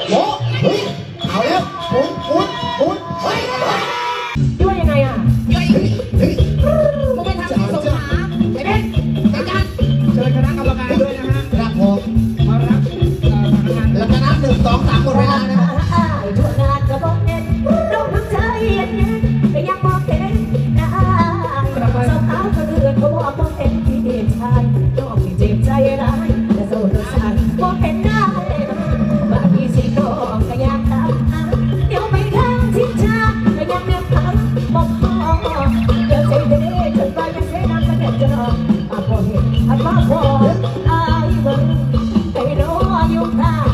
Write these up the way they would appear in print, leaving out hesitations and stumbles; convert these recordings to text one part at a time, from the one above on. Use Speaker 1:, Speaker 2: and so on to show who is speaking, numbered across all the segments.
Speaker 1: โอ้เฮ้ยเอาแล้วหมุนเฮ้ย
Speaker 2: ด้วยยังไงอ่ะ
Speaker 1: เฮ้ย
Speaker 2: มึงไปทำที่สงขลาไอ้เบนจัดการ
Speaker 3: เชิญคณะกรรมการด้วยนะฮะ
Speaker 1: ครับผม
Speaker 3: มารับ
Speaker 1: แล้วก็นับ1 2 3หมดเวลานะ
Speaker 2: ทั่วงานก็บอกเห็นรู้ทั้งใจเย็นก็ยังบอกเห็นนะสาวขาวคนอื่นก็บอกเห็นที่เด็กชายน้องที่เจ็บใจร้ายแต่โซ่ตัวสายบอกเห็นได้บางทีสิน้องก็อยากตามเดี๋ยวไปทางที่ชาก็ยังเลือกทางบอกพ่อเดี๋ยวใจเด็กจนไปยังเสียน้ำกันเด็ดจะนอนพอเห็นพออายเบิ่งไปรออยู่ข้าง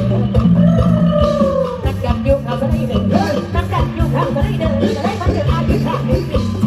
Speaker 2: นักกันอยู่ข้างก็ได้เดินนักกันอยู่ข้างก็ได้เดินจะได้มาเจออายุข้างนี้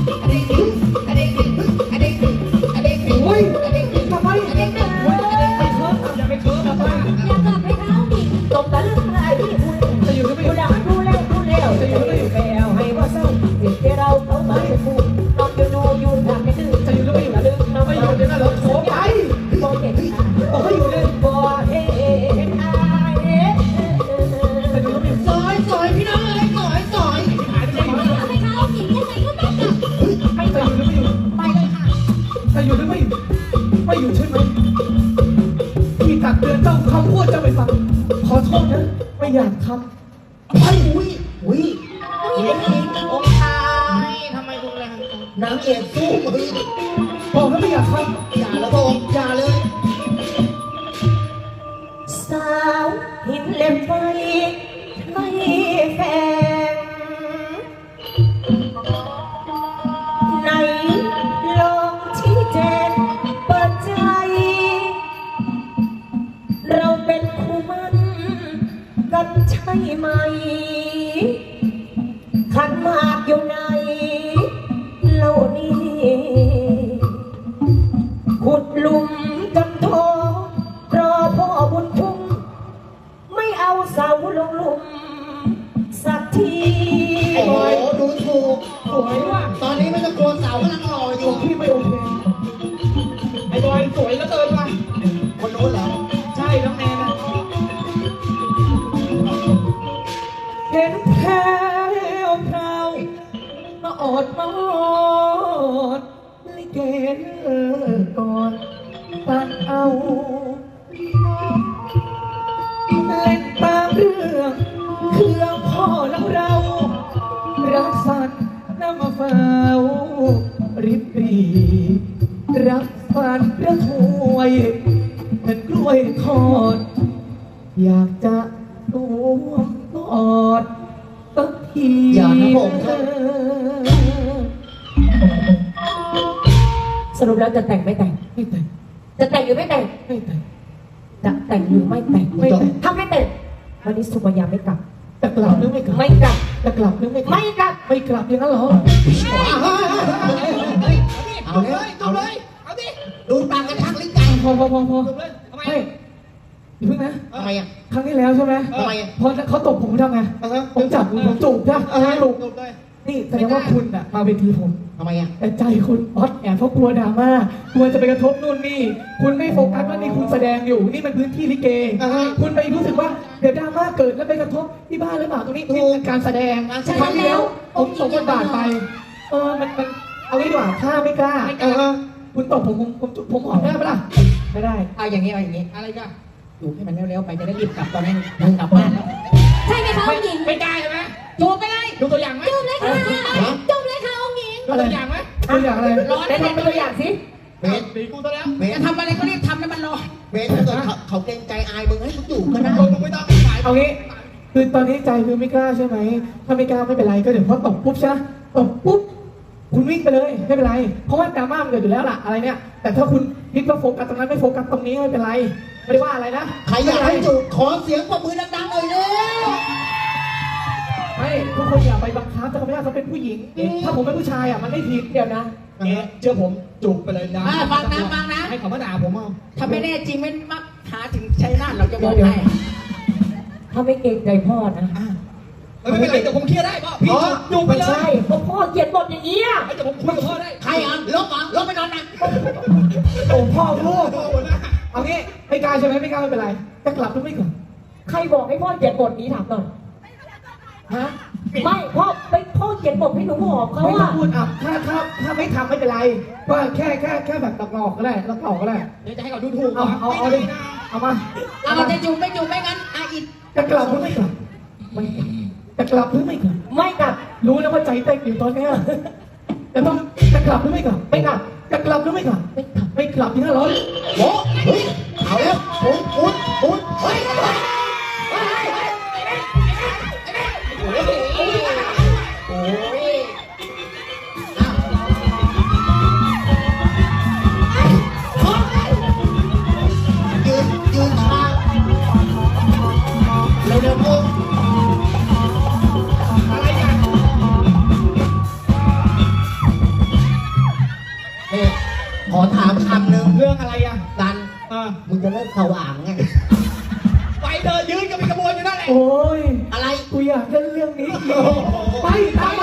Speaker 3: อุ้ยทำไมอย่าไปเคิร์ฟอย่าไปเคิร์ฟนะป้า
Speaker 2: อยากกลับไปเท้าดิตกตะลึงอะไรที่คุณ
Speaker 3: จะอยู่ก็ไม่อ
Speaker 2: ดู
Speaker 3: ยู่
Speaker 2: ดังดูเร็วจะอยู่ก็อยู่แล้วให้ว่าเศร้าเด็กที่เราเข้ามาจะพูดนอนอยู่ดูอยู่ทางไม่ดื้อ
Speaker 3: จะอยู่ก็ไม่อยู่ลึกไม่อยู่เดี๋ยวเราโผล่ไป
Speaker 2: บอกเห็น
Speaker 3: บอกไม่อยู่เลย
Speaker 2: บอกเห็นอาย
Speaker 3: จะอยู่ก็ไม่อยู่
Speaker 1: ซอยพี่น้องเลยซอย
Speaker 3: หายไปไหน
Speaker 2: ไปเท้าหญิงยังไงก็ไม่กลับ
Speaker 3: ไม่จะอยู่หรือไม่อยู่
Speaker 2: ไปเลยค่ะ
Speaker 3: จะอยู่หรือไม่อยู่ไม่อยู่ใช่ไหมที่ตักเตือนเจ้าคำพูดเจ้าไม่ฟังขอโทษนะไม่อยากทำ
Speaker 1: ไปอุ้ย
Speaker 2: นี่เป็นหญิง
Speaker 1: องค์ชายทำไมรุนแรงนางเอกสู้มือ
Speaker 3: บอกแล้วไม่อยากทำ
Speaker 1: อย่าละพระองค์อย่าเลย
Speaker 2: สาวหินเล็บไฟไม่แฝงไหนลองชี้แจงเปิดใจเราเป็นคู่มันกันใช่ไหมขันหมากอยู่ไหนเล่านี้ขุดหลุมจำทอรอพ่อบุญทุ่งไม่เอาเสาลงหลุมสักที
Speaker 1: โอ้โหดูถูก
Speaker 3: สวยว่ะ
Speaker 1: ตอนนี้ไม่ต้องกลัวเสากำลังรออยู่
Speaker 3: พี่ไม่โอเคไอ้บอยสวยเหลือเกินว่ะ
Speaker 1: คนนู้นเหรอ
Speaker 3: ใช่น้องแนนนะเห็นแถวพราวมาอดมาอดลิเกก่อนปันเอาเล่นตามเรื่องเครื่องพ่อแล้วเรารักสัตว์น้ำมาเฝ้าริบรีรักฟันระถวยเป็นกล้วยทอดอยากจะร่วมกอดสักที
Speaker 1: อย่านะผมครับ
Speaker 2: สรุปแล้วจะแต่งไม่แต่ง
Speaker 3: ไม่แต่ง
Speaker 2: จะแต่งหรือไม่แต่ง
Speaker 3: ไม่แต่ง
Speaker 2: จะแต่งหรือไม่แต่ง
Speaker 3: ไม่แต่ง
Speaker 2: ถ้าไม่แต่งวันนี้สุกัญญาไม่กลับ
Speaker 3: จะกลับหรือไม่กลับ
Speaker 2: ไม่กลับ
Speaker 3: จะกลับหรือไม่กลับ
Speaker 2: ไม่กลับ
Speaker 3: ไม่กลับอย่างนั้นเหรอ
Speaker 1: เอาเลยเอาดิดูปากกระชักลิ้นไก่
Speaker 3: พอ
Speaker 1: ทำไม
Speaker 3: ไม่อย่าเพิ่งนะ
Speaker 1: ทำไมอ่ะ
Speaker 3: ครั้งที่แล้วใช่ไหม
Speaker 1: ทำไมอ่ะ
Speaker 3: พอเขาตบผมทำไงผมจับผมจูบใช่ไหมจูบนี่แสดงว่าคุณอะมาเวทีผม
Speaker 1: ทำไมอ่ะ
Speaker 3: แต่ใจคุณออดแอบเพราะกลัวดราม่ากลัวจะไปกระทบนู่นนี่คุณไม่โฟกัสว่านี่คุณแสดงอยู่นี่มันพื้นที่ลิเกคุณไปรู้สึกว่าเดี๋ยวดราม่าเกิดแล้วไปกระทบที่บ้านหรือเปล่าตรงนี้นี่เป็นการแสดงครั้งที่แล้วผมตบบทบาทไปมันเอางี้ดีกว่าข้าไม่กล้าคุณตบผมหอมได้ปะล่ะไม่ได้
Speaker 2: เอาอย่างนี้
Speaker 3: อะไรกัน
Speaker 2: อยู่ให้มันเร็วๆไปจะได้รีบกลับตอนนี้มันกลับบ้านแล้วใช่ไหมคะองค์หญิง
Speaker 3: ไม่กล้าใช่ไหม
Speaker 2: จูบไปเลย
Speaker 3: ดูตัวอย่างไหม
Speaker 2: จูบเลยค่ะจูบเลยค่ะองค์หญิง
Speaker 3: ดูตัวอย่างไหมตัวอย่างอะไร
Speaker 2: ร้อนได้ทำเป็นตัวอย่างสิ
Speaker 1: เบส
Speaker 3: ตีกูซะแล้ว
Speaker 1: เบส
Speaker 2: จะทำอะไรก็รีบทำให้มันร้อน
Speaker 1: เบสถ้าเกิดเขาเกรงใจอายมึงให้มึงอยู่ก็ได้
Speaker 3: มึงไม่ต้องขายเอางี้คือตอนนี้ใจคือไม่กล้าใช่ไหมถ้าไม่กล้าไม่เป็นไรก็เดี๋ยวพอตบปุ๊บใช่ไหมตบปุ๊บคุณวิ่งไปเลยไม่เป็นไรเพราะว่าดราม่ามันเกิดอยู่แล้วล่ะอะไรเนี่ยแต่ถ้าคุณคิดว่าโฟกัสตรงนั้นไม่โฟกัสตรงนี้ไม่เป็นไรไม่ได้ว่าอะไรนะ
Speaker 1: ใครอยากให้จูบขอเสียงปรบมือดังๆหน่อยเร็ว
Speaker 3: ไม่ทุกคนอย่าไปบังคับถ้าเขาไม่ได้เขาเป็นผู้หญิงถ้าผมเป็นผู้ชายอ่ะมันไม่ผิดเดี๋ยวนะเชื่อผมจูบไปเลยนะ
Speaker 2: ฟังนะ
Speaker 3: ให้เขามาด่าผมเอา
Speaker 2: ถ้าไม่แน่จริงไม่มาหาถึงชัยนาทเราจะบอกให้ถ้าไม่เกรงใจพ่อนะ
Speaker 3: ไม่เป็นไรเดี๋ยวผมเคลียร์ได้พ่อพี่จูบไปเลย
Speaker 2: ใช่เพราะพ่อเขียนบทอย่างนี้อ่ะ
Speaker 3: เดี๋ยวผมคุยกับพ่อได้
Speaker 1: ใครอ่ะลบไปนอนนะ
Speaker 3: โอ้พ่อลูกเอางี้ไม่กล้าใช่ไหมไม่กล้าไม่เป็นไรจะกลับหรือไม่กลับ
Speaker 2: ใครบอกให้พ่อเขียนบทนี้ถามหน่อย
Speaker 3: ฮะ
Speaker 2: ไม่พ่อเขียนบทให้หนูหอมเขา
Speaker 3: ไม่ต้อ
Speaker 2: อะ
Speaker 3: งพูดอ่ะถ้าไม่ทำไม่เป็นไรว่าแค่แบบตอกหลอกก็ได้ตอกหลอกก็ได้
Speaker 1: เดี๋ยวจะให้เขาดูถูก
Speaker 3: เอาดิเอามา
Speaker 1: เอาจะจุ่มไม่จุ่มไม่งั้นอิด
Speaker 3: จะกลับหรือไม่กลับไม่กลับจะกลับหรือไม่กลับ
Speaker 2: ไม่กลับ
Speaker 3: รู้แล้วว่าใจเต้นอยู่ตอนเนี้ยแต่ต้องจะกลับหรือไม่กลับ
Speaker 2: ไม่กลับ
Speaker 3: จะกลับหรือไม่กลับ ไม่กลับที่500
Speaker 1: โอ้เฮ้ยเอาแล้วปุ้นเฮ้ยโอ้ยยืนช้าเร็วๆพวกอะไรกันนี่ขอถามคำหนึ่ง
Speaker 3: เรื่องอะไรอ่ะ
Speaker 1: กัน
Speaker 3: มึงจะ
Speaker 1: เลิกสว่างไง
Speaker 3: ไปเดินยืนกันเป็นขบวนอยู่นั่นแหละ โอ้ย
Speaker 1: อะไร
Speaker 3: กูอยากเล่นเรื่องนี้อีกไปตามมา